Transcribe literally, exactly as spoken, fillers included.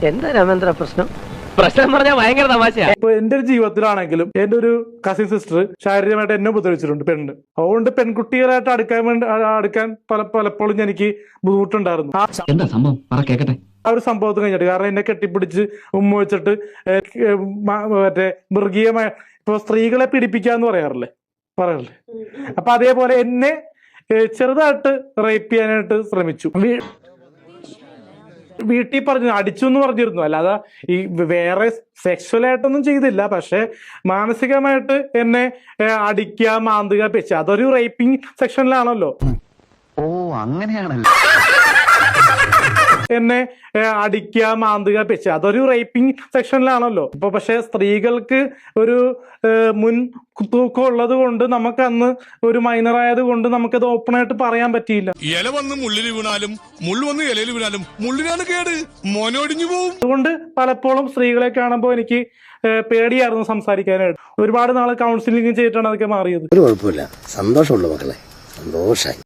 എന്താ രാമേന്ദ്ര പ്രശ്നം? പ്രശ്നം പറഞ്ഞാൽ ഭയങ്കര തമാശയാ. ഇപ്പൊ എന്റെ ഒരു ജീവിതത്തിലാണെങ്കിലും എന്റെ ഒരു കസിൻ സിസ്റ്റർ ശാരീരികമായിട്ട് എന്നെ ഉപദ്രവിച്ചിട്ടുണ്ട്, പെണ്ണ്. അതുകൊണ്ട് പെൺകുട്ടികളായിട്ട് അടുക്കാൻ വേണ്ടി അടുക്കാൻ പല പലപ്പോഴും എനിക്ക് ബുദ്ധിമുട്ടുണ്ടായിരുന്നു. എന്താ സംഭവം കേക്കട്ടെ. ആ ഒരു സംഭവത്തിന് കഴിഞ്ഞിട്ട് കാരണം എന്നെ കെട്ടിപ്പിടിച്ച് ഉമ്മ വെച്ചിട്ട് മറ്റേ മൃഗീയമായ ഇപ്പൊ സ്ത്രീകളെ പീഡിപ്പിക്കാന്ന് പറയാറില്ലേ പറയാറില്ലേ അപ്പൊ അതേപോലെ എന്നെ ചെറുതായിട്ട് റേപ്പ് ചെയ്യാനായിട്ട് ശ്രമിച്ചു. വീട്ടിൽ പറഞ്ഞു അടിച്ചു എന്ന് പറഞ്ഞിരുന്നു, അല്ലാതെ ഈ വേറെ സെക്ഷൽ ആയിട്ടൊന്നും ചെയ്തില്ല. പക്ഷെ മാനസികമായിട്ട് എന്നെ അടിക്കുക, മാന്തുക, പെച്ച, അതൊരു റേപ്പിംഗ് സെക്ഷനിലാണല്ലോ. ഓ അങ്ങനെയാണല്ലോ. എന്നെ അടിക്കുക, മാന്തുക, പെച്ച, അതൊരു റേപ്പിംഗ് സെക്ഷനിലാണല്ലോ. ഇപ്പൊ പക്ഷെ സ്ത്രീകൾക്ക് ഒരു മുൻ തൂക്കം ഉള്ളത് കൊണ്ട് നമുക്ക് അന്ന് ഒരു മൈനർ ആയത് കൊണ്ട് നമുക്കത് ഓപ്പൺ ആയിട്ട് പറയാൻ പറ്റിയില്ല. ഇല വന്ന് മുള്ളിൽ വീണാലും മുള്ളു വന്ന് ഇലയിൽ വീണാലും മുള്ളിനാണ് കേട്, മോനൊടിഞ്ഞു പോവും. അതുകൊണ്ട് പലപ്പോഴും സ്ത്രീകളെ കാണുമ്പോൾ എനിക്ക് പേടിയായിരുന്നു സംസാരിക്കാനായിട്ട്. ഒരുപാട് നാള് കൗൺസിലിംഗ് ചെയ്തിട്ടാണ് അതൊക്കെ മാറിയത്. ഒരു കുഴപ്പമില്ല, സന്തോഷമുള്ള മക്കളെ, സന്തോഷായി.